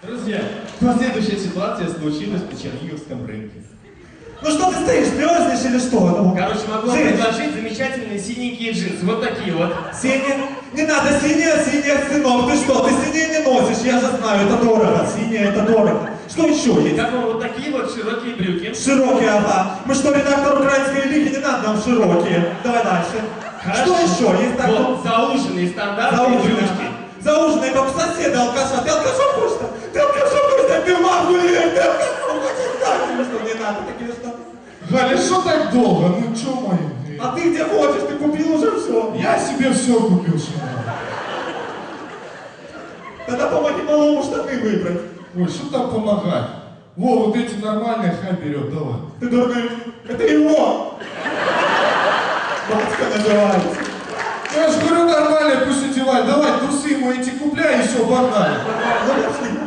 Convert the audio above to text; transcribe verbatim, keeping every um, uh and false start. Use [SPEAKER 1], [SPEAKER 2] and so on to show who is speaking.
[SPEAKER 1] Друзья, последующая ситуация случилась на Черниговском рынке.
[SPEAKER 2] Ну что ты стоишь, мерзнешь или что? Ну,
[SPEAKER 1] Короче, могу вам предложить замечательные синенькие джинсы. Вот такие вот.
[SPEAKER 2] Синие? Не надо синие, синие, сынок. Ты что, ты синие не носишь, я же знаю, это дорого. Синие, это дорого. Что еще есть?
[SPEAKER 1] Как вам вот такие вот широкие брюки?
[SPEAKER 2] Широкие, ага. Мы что, редактор украинской лиги, не надо нам широкие. Давай дальше.
[SPEAKER 1] Хорошо.
[SPEAKER 2] Что еще? Есть так
[SPEAKER 1] вот зауженные стандартные брючки.
[SPEAKER 2] Зауженные, как у соседа алкаша. Ты алкашом хочешь? Ты алкашом хочешь? Ты в маму лезь, ты алкашом хочешь? Так, что не надо, такие что?
[SPEAKER 3] Галя, что так долго? Ну чё мои?
[SPEAKER 2] А ты где хочешь? Ты купил уже все.
[SPEAKER 3] Я себе все купил, что надо.
[SPEAKER 2] Тогда помоги малому штаны выбрать.
[SPEAKER 3] Ой, что там помогать? Во, вот эти нормальные хай берет, давай.
[SPEAKER 2] Ты дурной, это его. Батька называется.
[SPEAKER 3] Я же говорю, нормальные, пусть одевает. Давай, трусы ему эти купляй, и все, погнали.
[SPEAKER 2] Ну, пошли.